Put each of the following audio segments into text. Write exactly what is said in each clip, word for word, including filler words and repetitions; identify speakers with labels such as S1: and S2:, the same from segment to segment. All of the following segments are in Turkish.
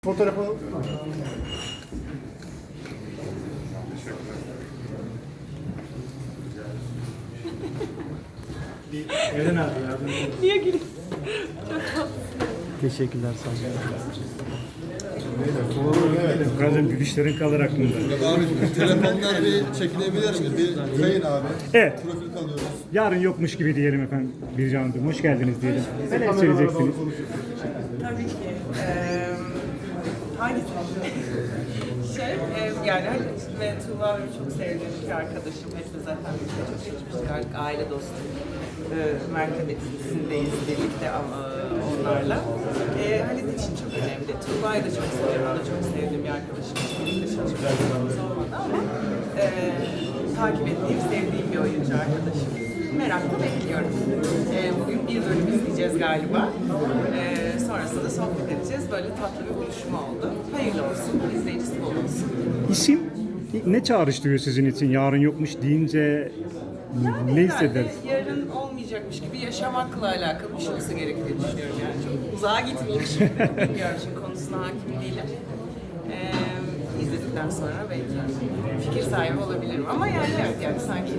S1: Fotoğrafı bir Eren abi yardım edin.
S2: Niye gülüyorsun?
S3: Teşekkürler sağ olun.
S1: Bazen gülüşlerin kalır aklımda.
S4: Abi telefonlar bir çekilebilir mi? Bir kayın abi.
S1: Evet.
S4: Profil kalıyoruz.
S1: Yarın yokmuş gibi diyelim efendim Bircan Hanım. Hoş geldiniz diyelim. Neler söyleyeceksiniz?
S2: Tabii ki. Ee, hangisi? şey, e, yani Halit ve Tuğba benim çok sevdiğim iki arkadaşım. Hepsi zaten birlikte çok çalışmıştık. Artık aile dostu. E, mertebesindeyiz birlikte ama onlarla. E, Halit için çok önemli. Tuğba'yı da çok seviyorum. O da çok sevdiğim bir arkadaşım. Birlikte çalışmışlığımız olmadı ama e, takip ettiğim, sevdiğim bir oyuncu arkadaşım. Merakla bekliyorum. E, bugün bir bölüm izleyeceğiz galiba. E, sonrasında sohbet edeceğiz. Böyle tatlı bir buluşma oldu. Hayırlı olsun, izleyicisi bol olsun.
S1: İsim ne çağrıştırıyor sizin için? Yarın yokmuş deyince
S2: Yani
S1: ne
S2: herhalde
S1: hissederiz?
S2: yarın olmayacakmış gibi yaşamakla alakalı bir şey olsa gerek diye düşünüyorum yani. Çok uzağa gitmeyeyim şimdi. Bilmiyorum çünkü konusuna hakim değilim. Ee, izledikten sonra belki fikir sahibi olabilirim. Ama yani evet yani sanki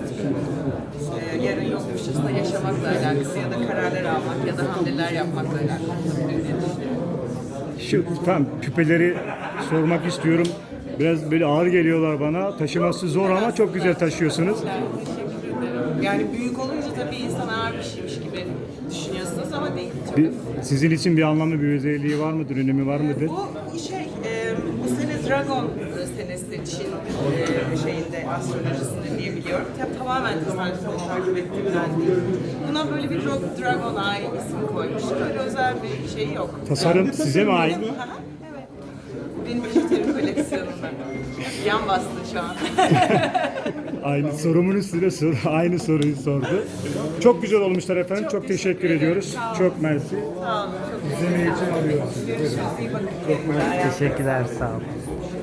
S2: e, yarın yokmuşçasına yaşamakla alakası ya da kararlar almak ya da hamleler yapmakla alakalı diye düşünüyorum.
S1: Şu tamam küpeleri sormak istiyorum. Biraz böyle ağır geliyorlar bana. Taşıması zor ama çok güzel taşıyorsunuz.
S2: Yani teşekkür ederim. Yani büyük olunca tabii insan ağır bir şeymiş gibi düşünüyorsunuz ama değil. Çok
S1: Bir, sizin için bir anlamlı bir özelliği var mıdır, önemi var mıdır?
S2: Bu şey, e, bu sene Dragon senesi Çin e, şeyinde, astrolojisinde diye biliyorum. Tabii tamamen tesadüfen takip ettiğimden değil. Buna böyle bir Dra- Dragon Eye ismi koymuşlar. Öyle özel bir şey yok.
S1: Tasarım
S2: Yani,
S1: size mi ait?
S2: Benim- Aha, evet. Benim bijuteri koleksiyonumda. Yan bastı şu an.
S1: Aynı sorumun üstüne soru, aynı soruyu sordu. Çok güzel olmuşlar efendim. Çok,
S2: Çok
S1: teşekkür,
S2: teşekkür
S1: ediyoruz.
S2: ederim. Sağ olun.
S1: Çok mersi.
S2: Sağ olun. Çok
S1: İzlemeyi için alıyoruz.
S2: Görüşürüz. İyi bakın. Çok
S3: Teşekkürler sağ olun.